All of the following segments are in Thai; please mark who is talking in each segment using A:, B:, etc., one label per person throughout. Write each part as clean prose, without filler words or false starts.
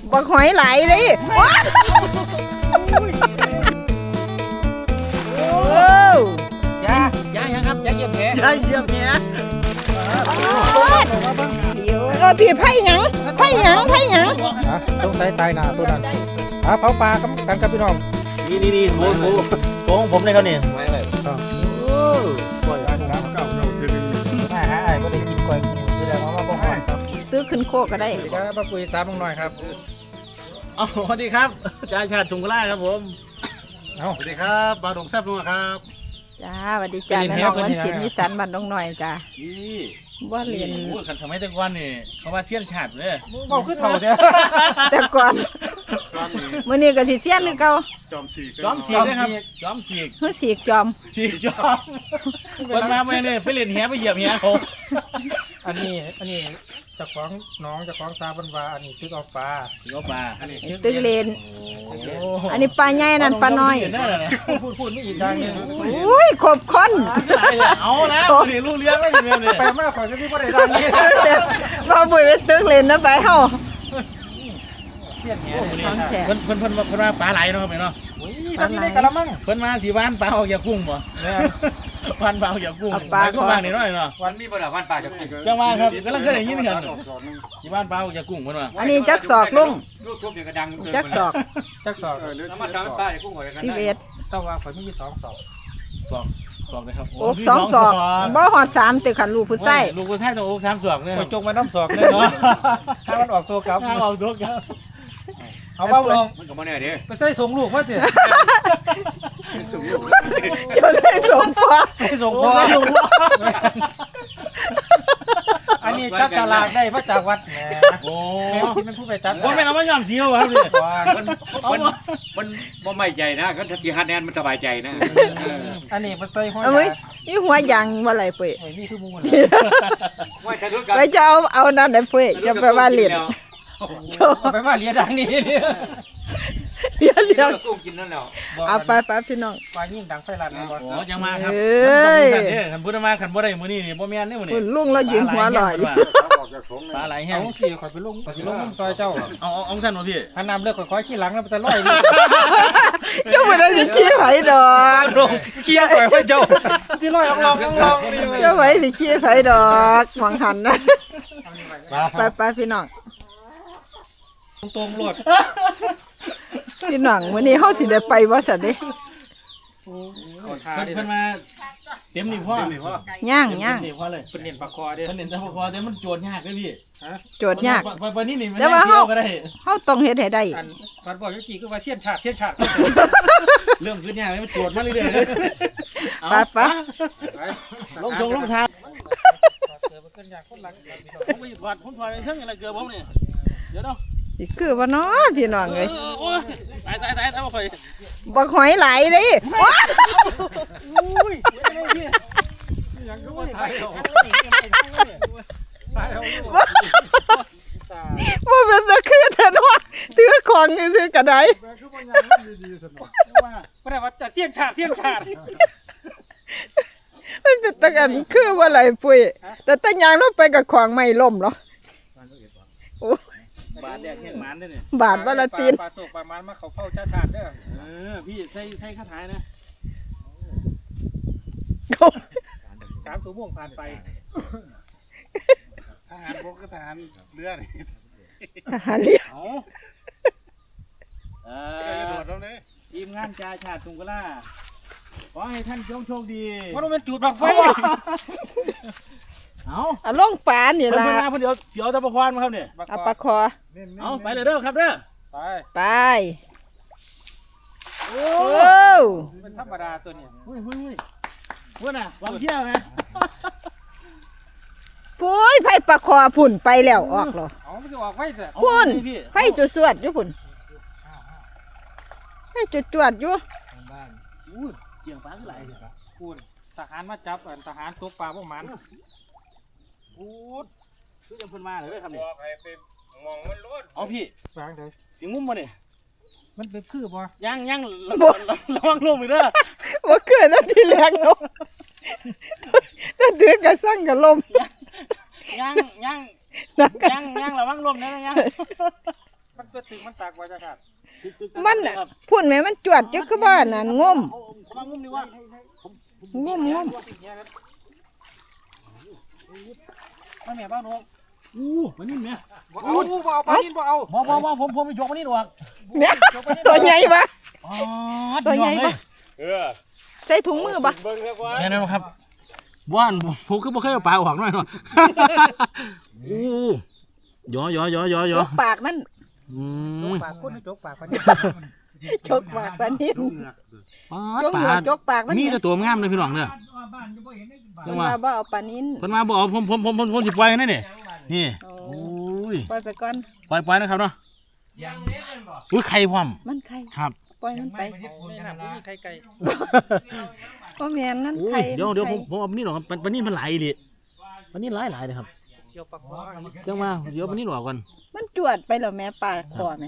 A: บักหอยไหลเลย
B: ยายังครับยาเยี่ยมแผล
A: เดี๋ยวพี่ไผ่หยัง
B: ต้องใส่ตายหนาตัวนั้นเผาปลากันกับพี่น้องนี่โค้งผมเลยครับนี่ก้อยอันน้ำเก่าเราเทนึงก็ได้กินก้อยคือแล้วมาบอกให้
A: ซื้อขึ้นโคก็ได้
B: ครับมาคุยตามลงหน่อยครับ
C: สวัสดีครับจ่าชาติสุงกล่าครับผมสวัสดีครับบาดงแซ่บนัวครับ
A: จ้าสวัสดีจ้าแม่น้องวันศิลป์นิสันบ้านน้องหน่อยจ้า
C: นี่
A: ว่าเรียน
C: ขันสมัยแต่ก่อนนี่เขาว่าเสี้ยนชาติเลย
B: บอกคือเท่าเดียว
A: แต่ก่อนมื้อนี้ก็สิเสี้ยนหรือเก่า
C: จอมสีนะครับจอมสี
A: เฮ้ยสีจอม
C: คนมาไม่เนี่ยไปเล่นแหไปเหยียบแหเขา
B: อันนี้จะคล้องน้องจะคล้องซาบันวาอันนี้ตึกเอาปลา
A: ตึกเลนอันนี้ปลาใหญ่นั่นปลาน้อย
B: พูดไม่อีกอย่างนึง
A: อุ้ยขบคน
C: เอาแล้วนี่ลูกเลี้ยงแล้วเนี่ย
B: ไปมากขอจะพี่ก็ได้ดังนี้
A: พอบุยไปตึกเลนนะไปเฮา
B: เสี้ยนเนี่ย
C: เพิ่นมาปลาไหลเนาะไปเนาะ
B: สันนี้ได้กระมัง
C: เพิ่นมาสีบ้านปลาออกจากกุ้งบ่วันปลาออกจากกุ้งปลาก็วางนี่น้อยเนาะ
D: วันมีบ่ล่ะวันปลาจากกุ้ง
C: จังว่าครับกำลังเคยได้ยินกันสีบ้านปลาออกจากกุ้งเพิ่นว่า
A: อันนี้จักศอกลุง
D: ลูกทุบอย่างกระดัง
A: จักศอก
D: แล้วมาทำปลาจากกุ้งหัวกัน
A: ได้
B: แต่ว่าข่อยมี2 ศ
C: อกนะครับ
A: โอ๊ก2 ศอกบ่ฮอด3ตึกคันลูกผู้ใส่
C: ลูกผู้ใส่ต้องโอ๊ก3 ศอกเนี่ย
B: ข่อยจงมาน้ำศอกเลยเนาะถ้ามันออกตัวกลับ
C: เอาตัวกลับ
B: เอาบ้าลง
D: มันก็บ่แน่เด้
B: ไปใส่ส่งลูกมาสิ
A: จะได้ส่งพ่อ
B: อันนี้จับฉลากได้มาจากวัดแหม
C: โอ้
B: ที่มันพูดไปจับ
C: ว่าไม่เอามาย่อมสีเอาครับพี่
D: มันบ่ไม่ใจนะก็ถ้าสิฮัดแนนมันสบายใจนะ
B: อันนี้มันใส่ห้อย
A: นี่หัวยางว่าอะไรเป้ย
B: นี่คือมูน
A: ไปจะเอานั่นได้เป้ยจะไปว่าเรียน
B: ไปว่าเรียนดังนี้
A: เรียน
D: กุ้งกินนั่นแล้ว
A: เอาไปพี่น้อง
B: ปลายิ่งดังไฟลันนะ
C: อ๋อจังมาครับขันพูดมาขันบ่ได้มื้อนี้นี่บ่แม่นนี่มื้อนี้
A: ลุงเรายืนหัวลอย
C: ปลาไหลแห้ง
B: สิข่อยไปลงซอยเจ้า
C: เอาสั่นบ่พี่
B: อันน้ำเลือกข่อยขี้หลังแล้วมันจะลอย
A: เจ้าบ่ได้สิขี้ไผดอก
B: ขี้ข่อยไว้เจ้าที่ลอยลอง
A: เจ้าไว้สิขี้ไผดอกหวังหันนะไปพี่น้อง
B: ตรงรถ
A: พี่น้องวันนี้เขาสิได้ไปว่าสัตว์เด้
C: เพิ่นมาเต็มนี่พ่
A: อย่าง
C: นี่พ่อเลย
B: เป็นเน้นปลาคอเด้
C: เพิ่นเน้นแต่ปลาคอแต่มันโจทย์ยากเด้อพี่
A: โจทย์ยาก
C: ปลานี้นี่
A: แต่ว่าเขาต้องเฮ็ดให้ได้
B: พัดบอกยุติคือว่าเสี้ยนฉาด
C: เรื่องขึ้นยากมันโจทย์มาเรื่อยๆเลย
A: ไป
C: ลงทางผมไปถอดเรื่องอะไรเกือบผมนี่เดี๋ยวเนาะ
A: คือว่าน้อพี่น้องเลย
C: ตายบ่ค่อย
A: บักหอยไหลเลยว่าเป็นตะคือแต่ว่าถือของถือกระได
B: ไม่ได้ว่าจะเสี้ยนขาด
A: มันเป็นตะกันคือว่าอะไรปุ้ยแต่ตั้งยางลงไปกับของไม่ล่มหรอบ
C: าทแดกแห้งมันด้วยเนี่ย
A: บาทวันละตีน
B: ปลาโศกปลามันมาเขาเข้าจ้าชาติเด้
C: อพี่ใส่ข้าท้ายนะ
B: 3 ชั่วโมงผ่านไป
C: ทหารบกก็ทหารเรือนี่
A: ทหารเรือ
C: โดดแล้วเนี่ยทีมงานจ่าชาติสุงกล่าขอให้ท่านโชคดี
B: ว่าเราเป็นจุดบักไฟ
A: เอาล่องปลาเนี่ยล่ะ
C: เดี๋ยวตะปะควานมาครับเนี่ย
A: เอาปลาคอ
C: เอาไปเลยเด้อครับเด้อ
A: ไปโอ้
B: เป็นธรรมดาตัวเนี่ย
C: พูดน่ะวางเที่ยวนะ
A: ปุ้ยไผ่ปลาคอผุ่นไปแล้วออกหรอ
B: ไม่จะออกไฟแต่
A: พุ่นไผ่จุดสวดอยู่ผุ่นไผ่จุดอยู่
C: เกี่ยงปลาเท่าไหร่
B: พุ่นทหารมาจับทหารตกปลาพวกมัน
C: พูดซื้อยังเพิ่นมาเลยครับนี่
D: มองมันล้น
C: เอาพี่
B: วางเลย
C: สิงุ้มมาเนี่ย
B: มันเป็นคือบ่
C: ยังระวังลมอีกเด้อ
A: ว่าเกิดนั่นที่แรงลมถ้าเดือดกระสั่งกระลม
C: ยังระวังลมนะยัง
B: ไปมันตัวตึงมันตากว่าจะขาด
A: มันน่ะพูดแม่มันจวดจักคือบ้านนั่นงม
C: มางุ้มดีว่า
A: งม
B: มาแม่บ้านนก
C: มันนี่แม่
B: บ่เอาปลานินบ่เอา
C: บ่ผมยกมันนี่หรอก
A: เนี่ยตัวใหญ่ปะ
C: อ๋อ
A: ตัวใหญ่ปะใส่ถุงมือปะ
C: แน่นอนครับบ้านผมคือบ่เคยเอาปลาออกหน่อยเนาะย
A: จกปากมัน
B: ปากคนจกปากปลานิน
A: จกปากปลานิ่มจก
C: ป
A: หัว
C: ลา
A: จกปากมัน
C: นี่แต่ตัวงามเลยพี่น้องเด้อ
A: จังว่าบ่เอาปลานิ่ม
C: เพิ่นมาบ่เอาผมสิปล่อยนั่นนี่โอ้ย
A: ปล่อยไปก่อน
C: ปล่อยนะครับเนาะอุ้ยไข่พร้อม
A: มันไข่
C: ครับ
A: ปล่อยมันไป
B: ไม่น่าไม่มีใครไก่
A: เพราะแม่นนั่น
C: อุ้ย
A: ไข่
C: เดี๋ยวผมเอาปลานี่หรอกครับปลานี่มันหลายดิปลานี่หลายเลยครับ
B: เกี่ยวปากคอ
C: จังว่าเดี๋ยวปลานี่หลอกก่อน
A: มันจวดไปแล้วแม่ปลาคอไหม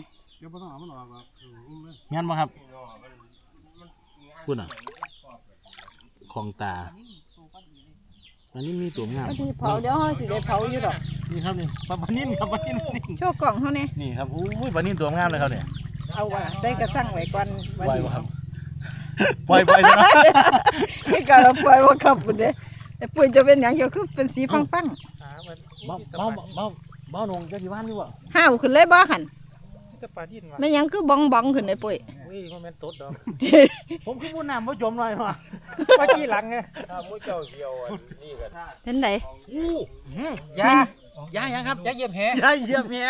C: งั้นบ่ครับพูดน่ะของตาปลานี่มีตัวงาม
A: บางทีเผาเดี๋ยวเขาสิได้เผาอยู่ดอก
C: นี่ครับนี่ปลานิ่มครับปลานิ่ม
A: โชว์กล่องเขาเนี่ย
C: นี่ครับอุ้ยปลานิ่มตัวงามเลยครับเนี่ย
A: เอาว่ะใส่กระสั่งไว้ก่อน
C: ปล่อยบ่ครับปล่อยนะ
A: ไม่กล้าเราปล่อยว่าขับปุ่นเด้ไอ้ปุ่นจะเป็นอย่างเดียวคือเป็นสีฟัง
C: เบ้าหนงจะสิว่านอยู่บ่
A: ๆห้าวขึ้นเลยบ่หัน
B: จะปลาดินว่ะ
A: ไม่หยังคือบองขึ้นไอ้ปุ้ย
B: อุ้ยมันแม่นตดดอก
C: ผมคือผู้นำผู้จมหน่อยว่ะ
B: ว่าขี้หลังไง
A: เห็นไหน
B: ยา
C: ยังครับ
B: ยาเยี่ยมแห
C: ยายเหยียบแห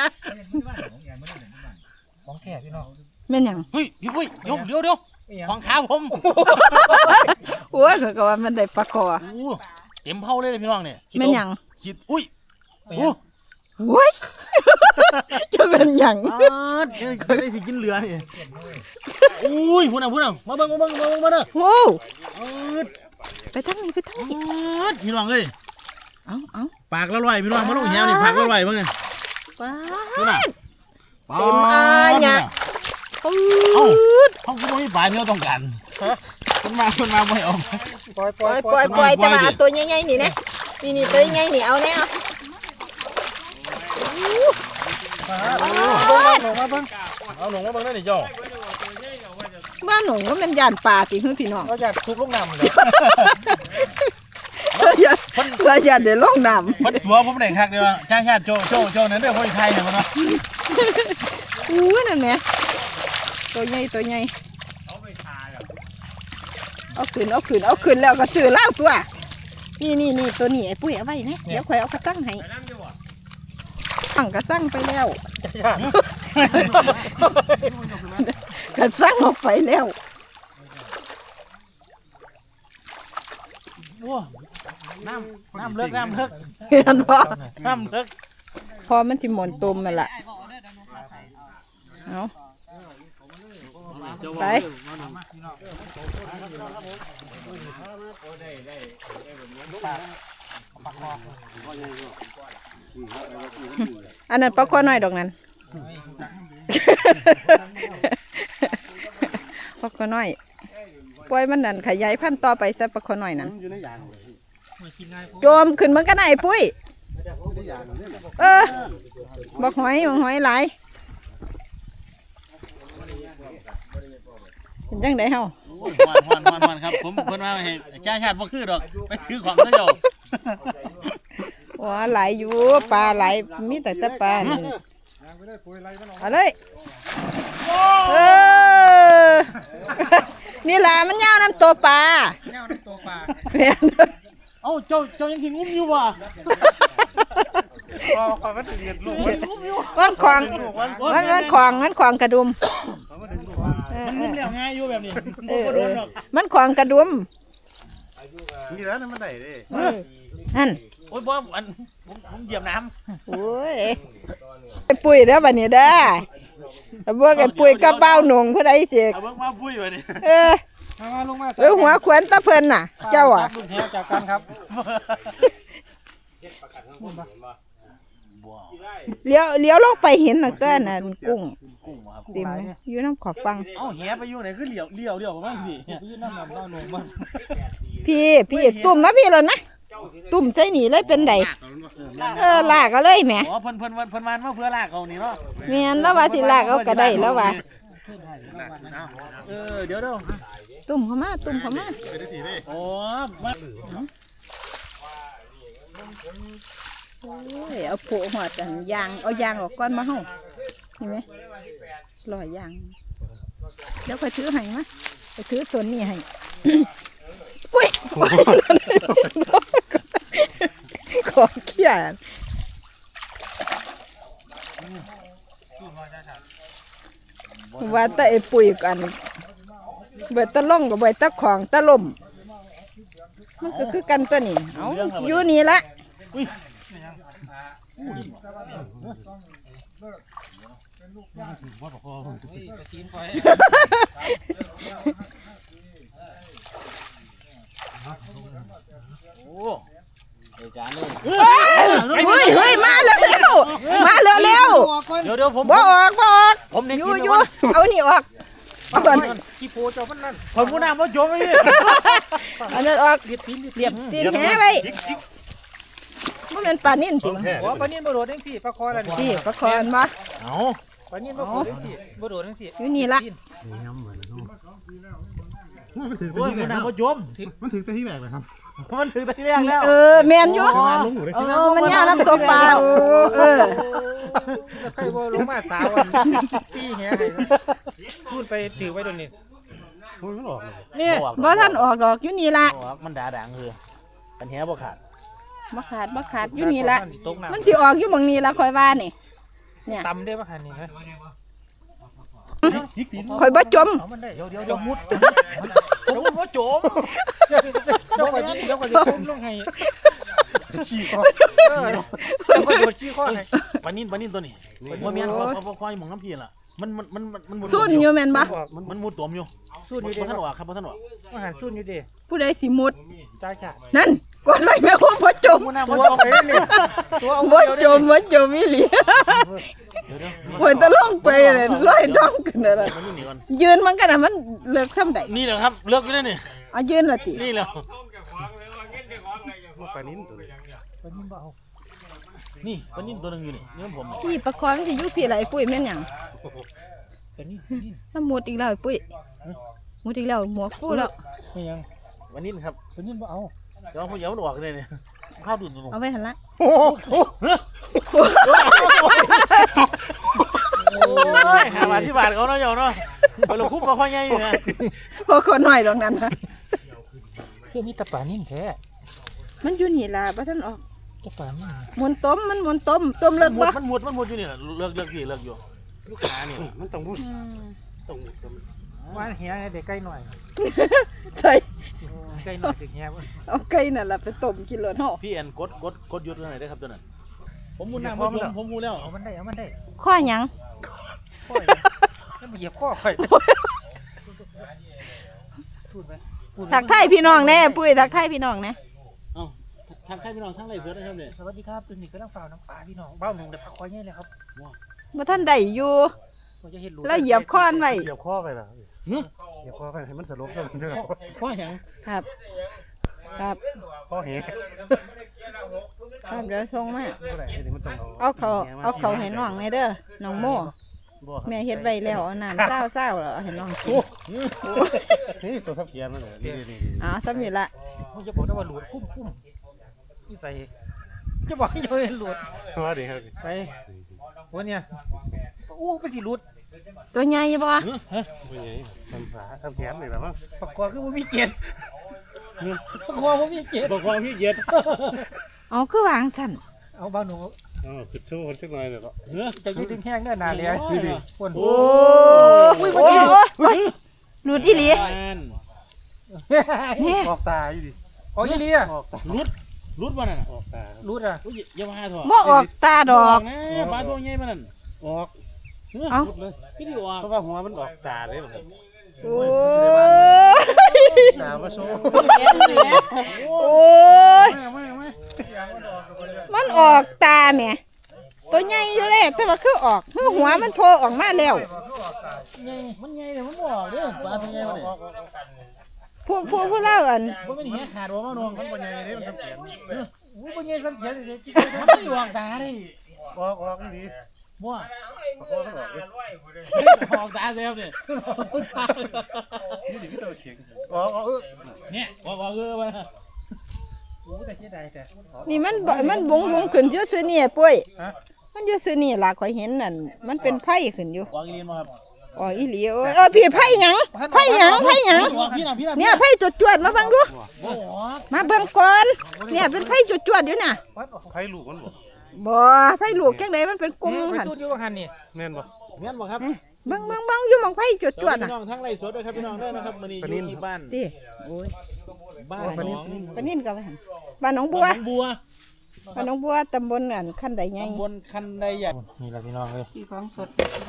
B: ของแท้พี่น้อง
A: แม่นหยัง
C: เฮ้ยพี่ปุ้ยเดี๋ยวของขาผม
A: โอ้ยเขาก็ว่ามันได้ปลาคอ
C: เต็มเผาเลยพี่น้องเนี่ย
A: แม่นหยัง
C: คิดอุ้ย
A: โอ้ยจะเป็นหยัง
C: จะได้สิกินเหลือนี่อุ้ยพูดน่ะมาเบิ่งมาเด้อ
A: โอ้
C: อืด
A: ไปทางนี้
C: พี่น้องเอ้ย
A: เอา
C: ปากละลอยพี่น้องมาลงแหวนี่ปากละลอยเบิ่งนี่
A: ป้า
C: พูดน่ะ
A: เต็มอาเนี่ย
C: เอ้าเขาคือบ่มีปลาที่เราต้องการคนมาบ่ให้ออก
B: ปล่อย
A: ปล่อยแต่ว่าเอาตัวใหญ่ๆนี่นะนี่ตัวใหญ่ๆนี่เอาแน่
C: เอาหลงมาเบิ่งได้นี่เจ้า
A: บ้านหนูก็เป็นย่านป่าติเพื่อนพี่น้อง
B: เราอยากทุบลูกน้ำเลย
A: เราย่านเดี๋ยวลงน้ำ
C: เพิ่นตัวผมได้คักเด้ว่าชาติโจนั่นเด้อคนไทยเนี่ยมันเนาะ
A: อู้นั่นแหละตัวใหญ่เอาขึ้นแล้วก็ซื้อเหล้าตัวนี่ตัวนี้ไอ้ปุ้ยเอาไว้นะเดี๋ยวข่อยเอากระตั้งให้ตั้งกระตั้งไปแล้วกระตั้งออกไปแล้ว
C: น้ำเลิก
A: เห็นบ่
C: น้ำเลิก
A: พอมันสิหมุนตุ่มมันล่ะเอาไปอันนั้นปลาคอน้อยดอกนั้นปลาคอน้อยปล่อยมันนั่นขยายพันธุ์ต่อไปซะปลาคอน้อยนั้นโจมขึ้นมันก็ได้ปุ้ยบอกหอยหลายเป็นจังไดเฮา
C: วันครับผมเพิ่นว่าให้ชาติบ่คือดอกไปถือของเจ้า
A: ว้าหลายอยู่ปลาหลายมีแต่ปลานี่เอาเลยนี่แหละมันยาวน้ำตัวปลา
B: แนวน้ำตัวปลา
C: เอ้าเจ้ายังสิงุ้มอยู่บ่
B: มันถึงเงินลูก
A: มันขวางกระดุม
C: มันงุ้มแล้วง่ายอยู่แบบนี้บ่โดนดอก
A: มันขวางกระดุม
C: นี่แล้วมันได้เด้
A: นั่น
C: โอ้ยบ่อันผมเหยียบน้ำ
A: โอ้ยไอ้ปุ๋ยเด้อบัดนี้เด้อแต่พวกไอ้ปุ๋ยก็เบ้าหนุ่งผู้ใดเสก
C: เอาเบิ่งมาปุ้ยบัดนี้
B: มาลงมา
A: หัวขวัญตะเพิ่นน่ะ เจ้าอ่ะ
B: ลูกแหจากกันครับ
A: เลี้ยวลงไปเห็นน่ะก็น่ะกุ้งติ่มอยู่น้ำขอบฟัง
C: เอ้าแหไปอยู่ไหนคือเหลียวประมาณสิ
B: ยืนน้ำหนักเบ้าหนุ่มมัน
A: พี่ตุ่มมาพี่แล้วนะ
C: โ
A: ตุ่มใส่นี่เลยเป็นไดลากก็เลยแหม
C: อ๋อเพิ่นมันมาเพื่อลากเขานี่เนาะ
A: แม่นแล้วว่าสิลากเอาก็ได้แล้วว่า
C: เดี๋ยว
A: ตุ่มเข้ามาตุ่มเข้ามา
C: โอ้มา
A: โอ้ยเอาโผล่หัวจันยางเอายางออกก่อนมาเฮาเห็นไหมลอยยางเดี๋ยวค่อยถือให้มาไปถือส่วนนี้ให้ อุ้ยขอเขียนว่าแต่ไอ้ปุ๋ยกันเบิดตะล่องกับเบิดตะของตะล่มมันก็คือกันตัวนี้เอาอยู่นี่ละ
C: โอ้จานเลย
A: เฮ้ยมาเร็วมาเร็ว
C: เดี๋ยวผม
A: บ่ออก
C: ผม
A: อยู่เอานี่ออกเอาก่อน
B: ขี้โพเจ้ามันนั่น
C: ผมผู้นำว่าโจมไอ้
A: อันนั้นออก
B: เรียบตีน
A: เรียบตีนแหไว้มันเป็นปลานิ่นจริง
B: หัวปลานิ่นบ่โดดจังซี่ปลาคอละนี่
A: พี่ประคอนบ่
C: เอา
B: ปลานิ่นบ่โดดจังซี่บ่โดดจังซี่
A: อยู่นี่ละ
C: โอ้ยผู้นำว่าโจม
E: มันถึงแต่ที่แบกเลยครับ
C: มันถึงแต่ที่แรกแล้ว
A: แมนอยู่มันยาวน้ำตัวปลา
B: ใครบ่ลงมาสาวตีแหให้สูดไปถือไว้ตรงนี้
E: มันหลอกเลย
B: นี่
A: บ่ท่านออกดอกอยู่นี่ละ
C: มันด่าดังคือปัญหาบ่ขาด
A: บ่ขาดอยู่นี่ละ
B: ตกน้ำ
A: มันสิออกอยู่หม่องนี้ละคอยว่านี่เนี่ย
B: ตำได้ป่ะคันนี้ฮะ
E: จิกตีน
A: คอยบ่จม
B: เอามันได้เดี๋ยวมุด
C: ผมว่าโจม
B: เดี๋ยวก็ทุ่มลงให้
E: ขี้คอ
B: เดี๋ยวก็โดดขี้ข้อให้
C: ปานินตัวนี้ว่าเมียนพอคอยมองน้ำพีล่ะมันมุด
A: ซุ่นอยู่แม่นบ่
C: มันมุดตัวมอยู่
B: สู้อยู่
C: บ่
B: ดิ
C: ท่านออกครับบ่ท่านออก
B: อาหารสู้อยู่ดิ
A: ผู้ใดสิมุด
B: จ้าจ้า
A: นั่นกดไว้แม่บ่จม
B: ตัวเอาไปนี่ตัวเอา
A: บ่จมอีหลีคอยตะลงไปเลยลอยดองขึ้นน่ะ
C: มันนี่ก่อน
A: ยืนมันกันน่ะมันเลิกซ้ำใด
C: นี่แหละครับเลิกอยู่แล้วนี่
A: เอายืนละติ
C: นี่แหละ
E: ปลานิ้นตัวนี้
B: ปลานิ่นบ่เอา
C: นี่ปานินตัวนึงอยู่นี่นี่ผม
A: นี่ประคองสิอยู่พี่ละไอ้ปุ้ยแม่นหยัง
B: ปลานิ่น
A: ถ้ามุดอีกแล้วไอ้ปุ้ยมุดอีกแล้วหมวกฟูแล้ว
B: ไม่ยัง
C: ปานินครับ
B: ปลานิ่นบ่เอา
C: เดี๋ยวผมเดี๋ยวมันออกเลยเนี่ยข้าวดุนตัว
A: เอาไว้หั่นละ
C: โอ้ยหาที่บาทเขาเนาะเจ้าเนาะไปลงคุบมาค่อยง่ายอยู่นะ
A: พอคนน้อยตรงนั้นนะ
B: เพื่อมีตะปลานิ่นแท้
A: มันอยู่นี่ล่ะบ่ทันออก
B: ตะปลานิ่น
A: หมุนต้มมันหมุนต้มเลิกบ่
C: มันมุดอยู่นี่เลิกพี่เลิกอยู่ลูกค้านี่
E: มันต้องมุดต้องมุด
B: ว่าแหเด็กใกล้หน่อย
A: ใส่
B: ใกล้หน่อยสิแหบ่
A: เอาไก่นั่นล่ะไปต้มกินเลยเฮา
C: พี่แอนกดยุดตัวไหนได้ครับตัวนั้นผมมุดน้ำผมมุดแล้ว
B: เอามันได้
A: ข้อหยัง
B: ข้อแล้วมาเหยียบข้อข่อยพูดไป
A: ทักทายพี่น้องแน่ปุ้ยทักทายพี่น้องแน่
C: เอ้าทางใครพี่น้องทางไรเสือได้ครับเนี่ย
B: สวัสดีครับตัวนี้ก็ต้องฝ่าน้ำปลาพี่น้องเบ้าหนึ่งเดี๋ยวพักคอยเนี่ยเลยครับ
A: บ่ทันได้อยู่
B: เราจะเห็นรู
A: แล้วเหยียบค้อนไว้
E: เหยียบข้อไปล่ะเหยียบข้อไปให้มันสลบซะมันจะ
C: ข้อหยัง
A: ครับครับ
E: ข้อเห
A: ครับเดี๋ยวส่งมา
E: เท่าไหร่นี่มันต้อง
A: เอาเขาให้น้องแน่เด้อน้องโมแม่เฮ็ดไว้แล้วเอาน้ำเศร้าแล้วเอาให้น้องกิน
E: นี่ตัวซับเกียร์นั่นแหละนี่
A: อ๋อสำนี้ละ
B: มันจะบอกได้ว่าหลุดคุ้มที่ใส่จะบอกให้เห็นหลุด
E: ว่าดีครับ
B: ไปวันเนี้ยอู้ไปสิหลุด
A: ตัวใหญ่บ่
E: เป็นไงซับขาซับแขนนี่แหละมั้ง
B: ปากกอคือว่ามีเกล็ดปากกอว่ามีเกล็ด
C: บอกว่าพี่เย็ด
A: เอาคือวางสั่น
B: เอาบ้าหนู
E: อ๋อคือชูคนสักหน่อยเนี่ยเนาะ
B: จะยืดแห้งเนื้อหนาเลยคน
C: โอ้
A: โอ้ยหลุดอีหลี นี่
E: ออกตาอยู่ดิ
B: อ๋อยี่ลีอะ
E: ออกตา
C: รุดมานั่น
E: ออกตา
B: รูดอะ
C: อย่ามาเถอะ
A: บ่ออกตาดอก
C: นะปลาตัวใหญ่มานั่น
E: ออก
A: เอ้า
C: พี่ที่ออก
E: เพราะว่าหัวมันออกตาเลยแบบ
A: โอ้ย
E: สาวมาโชว์
A: โอ้ยมันออกตาแหม่ตัวใหญ่อยู่เลยแต่ว่าคือออกหัวมันโผล่ออกมาแล้ว
C: มันใหญ่เลยมันบอกเด้อปลาตัวใหญ่มาเนี่ย
A: ผู้เล่าอัน
C: บ่เป็นเหี้ยขาดบ่มาน้องคนบ่ใหญ่เด้มันเปลี่ยน
B: อู้บ่ใหญ่ซ้ำเขียนเลยจิกดวงตาดิ
E: ออกนี่ดี
C: บ่
E: พอต้องออกเลย
C: ออกตาแซ่บนี่
E: นี่ดิพี่ตัวเข่งออก
C: เนี่ยออกมา
B: อู้แต่เสียดายแต่
A: นี่มันบงขึ้นอยู่ซื่อนี่ปุ้ยมันอยู่ซื่อนี่ล่ะข่อยเห็นนั่นมันเป็นไผขึ้นอยู่
C: ออกอีลีนบ่ครับ
A: อ๋ออีหลีโอ้ยพี่ไผหยังไผหยัง
C: ออกพี่น่ะ
A: เนี่ยไผจวดๆมาเบิ่งดู
C: บ่ออก
A: มาเบิ่งก่อนเนี่ยเป็นไผจวดๆอยู่น่ะ
E: ไผลูกมันบ่
A: บ่ไผลูกจังไดมันเป็นกลุ่ม
B: ไป
A: หั่น
B: สุดอยู่หันนี่
E: แม่นบ่
C: แม่นบ่ครับ
A: เบิ่งอยู่หม่องไผจวดๆ
C: พี่
A: น่ะ
C: น้องทั้งไร่สดด้วยครับพี่น้องด้วยนะครับมื้อนี้อยู่ที่บ้าน
A: ติ
C: บ้านหนอง
A: ปานนินก็ว่าหั่นบ้านหนองบัว
C: บัว
A: บ้านหนองบัวตำบลอันคันใดใหญ่
C: ตำบลคันใดใหญ่
B: นี่ล่ะพี่น้องเอ้ย
A: ที่ของสด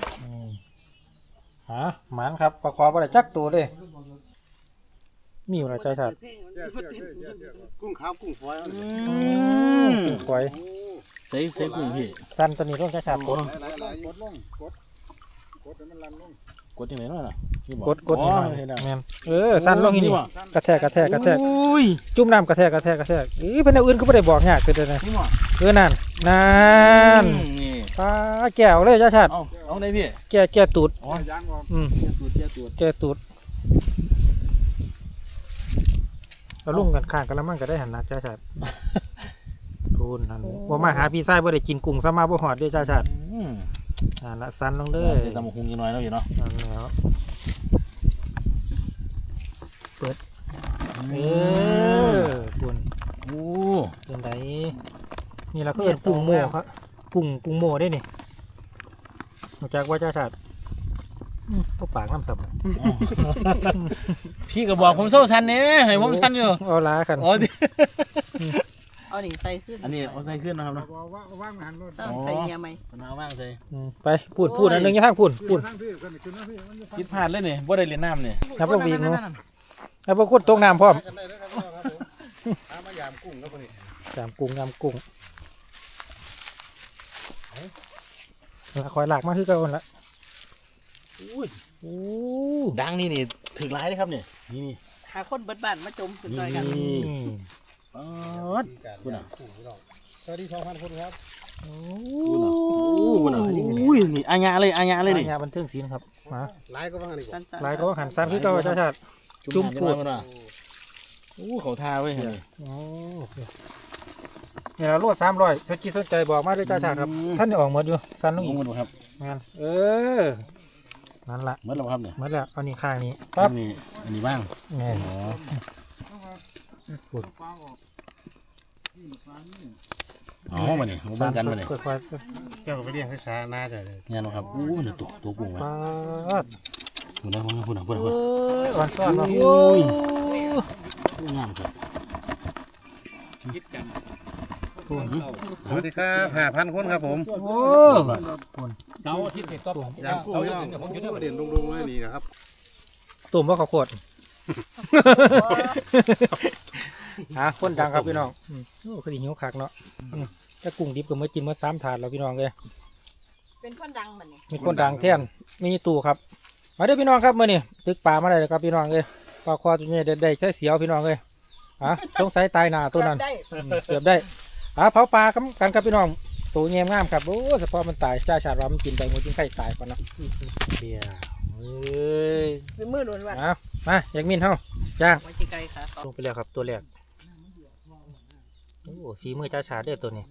B: หมานครับปลาคอบ่ได้จักตัวเลยมีอยู่ในใจขาด
E: กุ้งขาวกุ้งฝอย
B: ปล่อย
C: ใส่กุ้งพี่
B: สั้นตัวนี้ต้องใจขาดกด
E: หลายกดลงกดให้มันลั่นลง
C: กดยังไงเนาะน่ะ
B: กดนี่หน่อยแม่นสั้นลงนี่กระแทก
C: อุ้ย
B: จุ่มน้ำกระแทกเพิ่นเอาอื่นก็บ่ได้บอกยากคือเด้อนะ
C: นี่หมอ
B: นั่น
C: นี่
B: ปลาแก้วเลยจ้าชาติ
C: เอาได้พี่
B: แก้ตูด
C: อ๋อย
E: างออก
B: แก้ตูดเราลุ่มกันข้างกันแล้วมันก็ได้หันหน้าจ้าชาติทูนหันบ่มาหาพี่ชายบ่ได้กินกุ้งซะมาบ่ฮอดเด้อจ้าชาติละสั้นลงเด้อ
C: จะตำบักหุ่งยังน้อยแล้วอยู่เนาะ
B: นั่นแล้วเปิดคุณ
C: โอ้
B: เป็นไดนี่เราก็เอิ้นกุ้งโม่ครับกุ้งโม่ได้นี่รู้จักว่าจ้าชาติก็ปากน้ำสับ
C: พี่ก็บอกผมโซ่ชันเนี่ยให้ผมชันอยู่
B: เอาล้ากัน
C: อ๋อดิ
F: เอาหนิใส่ขึ้น
C: อันนี้เอาใส่ขึ้นนะครับเนาะ
E: ว่างงานรถ
F: ต้องใส่เงียไหม
C: เอาว่างใส่
B: ไปพูดอันนึงอย่าทางพูด
E: ทั้งพี่กันขึ้นนะพี่มันจะ
C: คิดพลาดเลยนี่บ่ได้เรียนน้ำนี่
B: นับพวกวีกเนาะนับพวกคนตกน้ำพร้อม
E: กันได้แล้วครับผมตามมายามกุ้งครับคนนี้
B: ยำกุ้งคอยหลากมาคือเก่าละ
C: อุ้ยดังนี่ถึงร้ายเลยครับเนี่ยนี่
F: หาคนเบิดบ้านมาจมสุดซอยกัน
C: อ๋อคุณอ่ะ
E: สวัสดี2,000 คนครับ
C: คุณอ่ะอุ้ยนี่อาญาเลยนี่
B: ยาบันเทิงศิลป์ครับมา
E: หลายก็ว่างนี่
F: สั้นๆ
B: ลายก็หันซ้ำคือเก่าจ้าชาติ จุ่มพูด
C: อู้เขาทาไว้เห็นไหม
B: เนี่ยเราลวด300ถ้าคิดสนใจบอกมาด้วยจ้าชาติครับท่านจะออกหมดอยู่สั้นลง
C: ล
B: อี
C: ง
B: ก
C: มาดูครับ
B: งานนั่นละ
C: เมื่อเราครับเนี่ย
B: มาแล้วเอานี่ข้างนี้
C: ปั๊
B: ปั๊
C: บบ อันนี้บ้าง
B: แม่น
C: อ๋อมาเนี่ยมาบ้างกันมาเนี่ย
B: ค่อย
E: เจ้าก็ไปเลี้ยงให้ช้าน่าจะเลย
C: งานเราครับอู้เนี่ยตัวกุ้ง
B: ๆ
C: วะ
B: ปั๊บ
C: คุณนะคุณ
B: เอ้ยอ่อนซ้อนเนาะ
C: งามครับ
E: สวัสดีครับ5,000 คนครับผม
B: โอ้
D: เสาร์อาทิตย์นี่ก็
E: ยามกุ้งพี่น้องเด่นลงๆเลยนี่นะครับ
B: ตุ่มว่าข้าวโพดคนดังครับพี่น้องโอ้คือหิวคักเนาะถ้ากุ้งดิบก็มากินมา3 ถาดแล้วพี่น้องเลย
A: เป็นคนดังบัดนี้
B: มีคนดังแท่นมีตู้ครับมาเด้อพี่น้องครับมื้อนี้ตึกปลามาได้เลยครับพี่น้องเลยปลาคอตัวนี้ได้ใช้เสียวพี่น้องเลยสงสัยตายหน้าตัวนั้น
A: ได้
B: เกือบได้เผาปลากันครับพี่น้องตัวเงียบงามครับโอ้เฉพาะมันตายจ้าชาติว่ามันกินไปมันกินไข่ตายก่อนนะเบียร์เอ้ย
A: เป็นมือล้วน
B: มาอยากมินเฮาจ้าง
F: ไว้ที่ไกลค่ะ
B: ลงไปแล้วครับตัวแรกโอ้ฝีมือจ้าชาติเด้อตัวนี้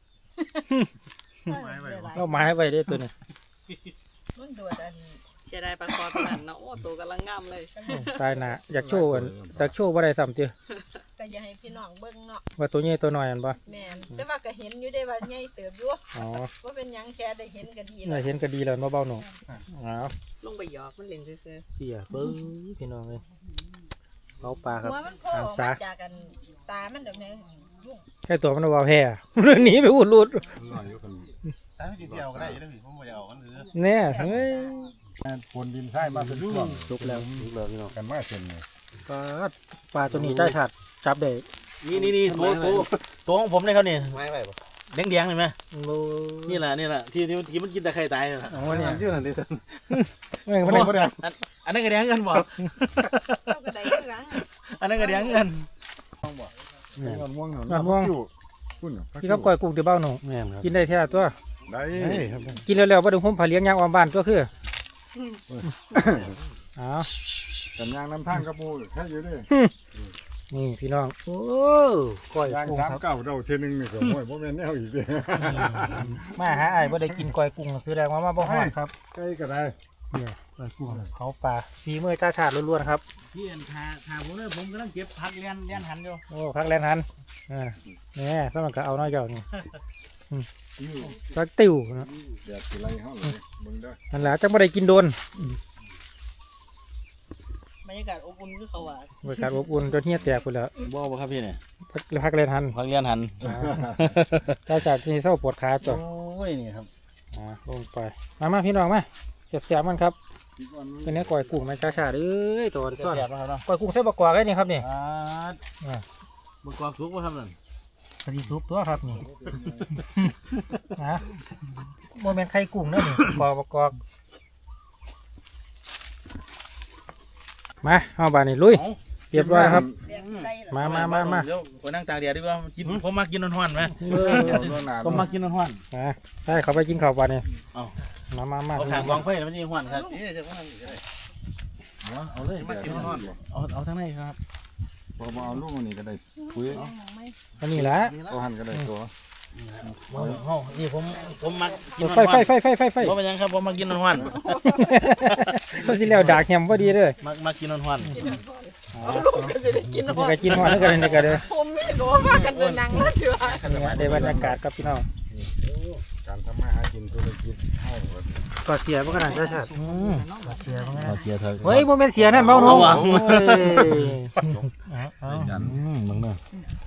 B: เราไม้ไว้เด้อตัวนี้
A: มันโดดอัน
F: เสียดายปลาคอตัวนั้นเนาะโอ้ตัวกำลังงามเลย
B: ตายหนาอยากโชว์ว่าได้ซ้ำเจ้อ
A: ก็อย่าให้พี่น้องเบิ่งเนาะ
B: ว่าตัวใหญ่ตัวน้อยอันบ่
A: แม่นแต่ว่าก็เห็นอยู่ได้ว่าใหญ่เติบอยู่
B: อ๋อ
A: ว่าเป็นหยังแค่ได้เห็นก็ดี
B: น่าเห็นก็ดีแล้วเบาๆหนูอ้าว
F: ลงไปหยอกมันเล่นซื่อ
B: เบียร์เบิ้งพี่น้องเลยเผาปลาครับ
A: หัวมันโผล่ออกมาจากกันตามันเดี๋ยวแม่ยุ่ง
B: แค่ตัวมันว่าแพ้หนีไปอุดรูด
E: หน่อยอยู่คนตามจริงๆเอาก็ได้แล้วพี่ผมบ่เอากันหรือ
B: เนี่ยเฮ้ย
E: คนดินใช่มาเป็นช่วง
B: สุกแล้ว
E: ลูกแล้วพี่น้องกันมาเช่นนี่
B: ปลาตัวนี้ได้ฉัดจับได้
C: นี่ตัวของผมเลยครับนี่
E: ไม่ไหวบ่
C: แดงๆเห็นไหมนี่แหละที่มันกินแต่ไข่ตายนั่นแหละ
B: โอ้เนี่ย
E: ชื่อนั่นดิท่าน
B: ไม่ได้
C: อันนั้นก็แดงกันบ่
A: เจ้าก็ได้คือกัน
C: อันนั้นก็เลี้ยงเงิน
E: งอนม่วง
B: งอนม่วง
E: คุณ
B: พี่ครับก้อยกุ้งเดี๋ยวเบ้าหนู
C: แม่นครับ
B: กินได้แท้ตัว
E: ได้
C: ครับ
B: กินแล้วๆบ่ต้องห่มผ้าเลี้ยงยางออมบ้านตัวคือเอา
E: กันยางน้ำทางกระปูแค่อยู่ดิ
B: นี่พี่น้องโอ้ก้อย
E: ยาง
B: กุ้งครับ
E: 39เราเทีนึงนี่ก็โอ้ยบ่แม่นแนวอีกเด้
B: มาหาอ้ายบ่ได้กินก้อยกุ้งแสดงว่ามาบ่ฮอดครับ
E: ใกล้ก็ได้
B: เนี่ยก้อยกุ้งเขาปลาฝีมือจ้าชาติล้วนๆครับ
C: พี่อันทาผมเนี่ยผมกำลังเก็บผักเลี้ยนหันอยู่
B: โอ้พักแลนทันเนี่ยสมันก็เอาน้อยเจ้านี่พักติ่วนะ
E: แดดสิไล่เฮาเลยมึงเด้อ
B: นั่นแหละจังบ่ได้กินโดน
F: บรรยากาศอบอุ่นคือเขาว่า
B: บริการอบอุ่นจนเฮียแตกไปแล้ว
C: บ่ครับพี่เนี่ย
B: พักแลนทัน
C: ผักเลี้ยนหัน
B: จ้าชาติที่เศร้าปวดขาจ้ะ
C: โอ้ยนี่ครับ
B: ลงไปมาพี่น้องมาเสียบมันครับ
E: อีกวัน
B: เป็นเนื้อก้อยกุ้งไหมจ้าชาติเอ้ยตัวนี้
C: เสียบนะครับเนาะ
B: ก้อยกุ้งใส่บะกวาดไว้นี่ครับนี่
C: บกความสุกว่าครับนั่น
B: พอดีซุปตัวครับนี่นะโมเมนต์ไข่กุ้งเนั่นนี่กอกบะกอกมาเอาบานนี่ลุยเรียบร้อยครับ มา
C: เดี๋ยวไปนั่งตากแดดดีกว่ากินผมมากินร้อนๆไหม ผมมากินร้อน
B: ใช่เขาไปกินข้าวบานนี่
C: เอา
B: มา
C: เอาขางกองไฟแล้วมันยังร้อนครับเอาเลยมากินร้อนเอาทั้งในครับ
E: พอมาเอาลูกนี่ก็ได้คุย
B: อันนี้แหละ
E: เอาหันก็ได้ตัว
C: นี่ผมมากิน
B: ไฟ
C: ร้อน
B: เพ
C: ราะเป็นยังครับผมมากินร้อน
B: ก็สิแล้วดากแฮมพอดีเลย
C: มากินร้อน
F: เอาลูกก็จะได้กินห
B: นี่
F: อ
B: ก็
F: ด
B: กินหอดนี่ก็เลยนี่ก็เลย
F: ผมไม่รู้ว่ากันเดินหนังมาเชื่อ
B: นี่ได้บรรยากาศกับพี่น้อง
E: การทำมาหากินธุรกิจเฮาก็
B: ก็เสียเพราะขนาดจ้าชาติเสียเพราะ
C: เอาเชียร์เธอ
B: เฮ้ยโมเมนต์เสียนั่นเมาหนู
C: เอาวะ มึงเนาะ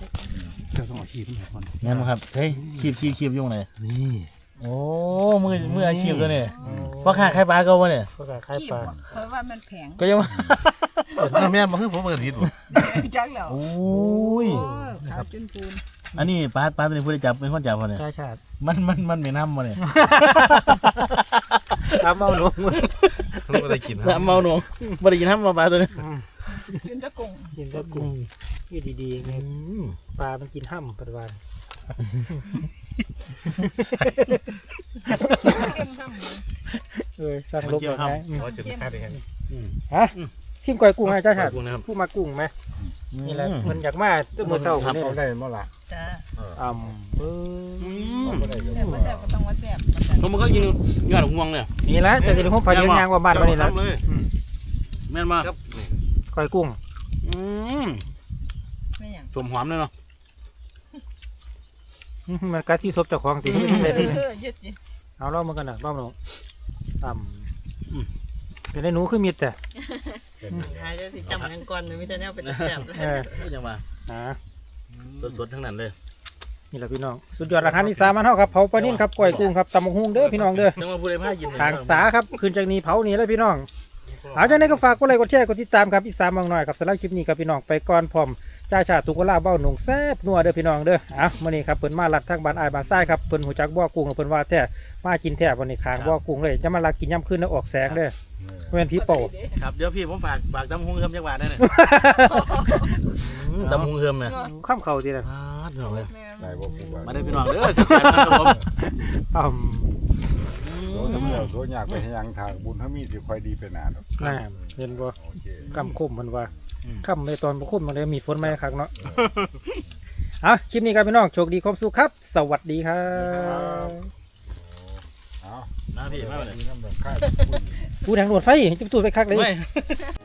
C: งั้นครับใช่คีบยุ่งเลยนี่โอ้มืออาชีพตัวนี้ว่าขาใครปลาก็วะเนี่ย
B: ก็คล้ายปลา
A: เพราะว่ามันแพง
C: ก็ยังว่า
G: แม่มาคือผมเปิดผิดบ่
A: จังแล้ว
C: โอ้ย
A: ขาวจนปูน
C: อันนี้ปลาตัวนี้ผู้ได้จับเป็นคนจับวะเนี่ย
B: จ้าชาติ
C: มันไม่น้ำวะเนี่ย
B: ตามเมาหนู
G: ผมก็ได้กินครั
C: น้ำเมาหนูไม่ได้กินน้ำมาปลาตัวนี้
A: กินตะกุ่ง
B: กินตะกุ้งที่ดีๆไงปลามันกินห้ำปัจจุบันสั่งลบ
C: เกี่ยว
B: ไป
C: ห้
B: ไหม
G: ขอจุดค่าได้ครับ
B: ฮะชิมก้อยกุ้งให้จ้าชาติ
C: กุ้งนะครับ
B: ผู้มากุ้งไหมนี่แหละมันอยากมาตัวมือเศร้าคนนี้
E: เอาได้บ่ล่ะ
F: จ้า
E: บ่ได้ก็
A: แต่ว่าแต่ก็ต้องวัดแบบ
C: ผมมันก็กินยอดห่วงเนี่ย
B: นี่แหละแต่จะห้องพายยางว่าบ้านวันนี้แล้ว
C: แม่นมา
G: ครับ
B: ก้อยกุ้ง
A: ไม่อย่าง
C: สมหอมเลยเนาะ
B: มันกัดที่ซบเจ้าของตีไม่ได้เลย
A: ยึดจิ
B: เอาล่อมันกันนะล่อมันเป็นไอ้หนูคือมิดแต่
F: หายจะสิจำยังก่อนเลยมิแต่แนวเป็นแซ่บเลย
C: จังว่าสดๆทั้งนั้นเลย
B: นี่แหละพี่น้องสุดยอดอาหารอีสานมันเท่าครับเผาปลานิ่นครับก้อยกุ้งครับตำบักหุ่งเด้อพี่น้องเด้อ
C: จังว่าผู้ใดพากิน
B: ทางสาครับคืนจากนี้เผานี่เลยพี่น้องเอาจากนี้ก็ฝากกดไลค์กดแชร์กดติดตามครับอีสานบางหน่อยครับสำหรับคลิปนี้ครับพี่น้องไปก่อนพร้อมจ้าชาตุกลาเบ้าหนุ่งแซ่บนัวเด้อพี่น้องเด้อมื้อนี้ครับเพิ่นมาลัดทางบ้านอ้ายบ้านซ้ายครับเพิ่นหูจักบ่อกุ้งเพิ่นว่าแท้มากินแท้วันนี้คางบ่อกุ้งเลยจะมาลักกินย่ำขึ้นแล้วออกแสงเด้อบ่แม่นผีโป่
C: ครับเดี๋ยวพี่ผมฝากตำหุงเฮิมจังหวัดได้เนี่ยตำหุงเฮิมเนี่ย
B: ข้ามเข่าทีละ
C: พี่น้องเลย
E: ได้บ่ผู้ว่า
C: มาได้พี่น้องเด้อแซ่บๆครับผม
E: โสทำแล้วโสอยากไปให้ยังทางบุญเฮามีสิค่อยดีไปหน้าดอก
B: น่าเห็นบ่
E: โอเค
B: กำคมมันว่าค่ำในตอนบ่คมมันเลยมีฝนไหมครับเนาะเอาคลิปนี้ครับพี่น้องโชคดีความสุขครับ สวัสดีครับ
E: เอา
C: มาพี่มาเลย
E: น้ำดอกค่าย
B: พูดทางรถไฟจะตูดไปคักเลย
C: ไม่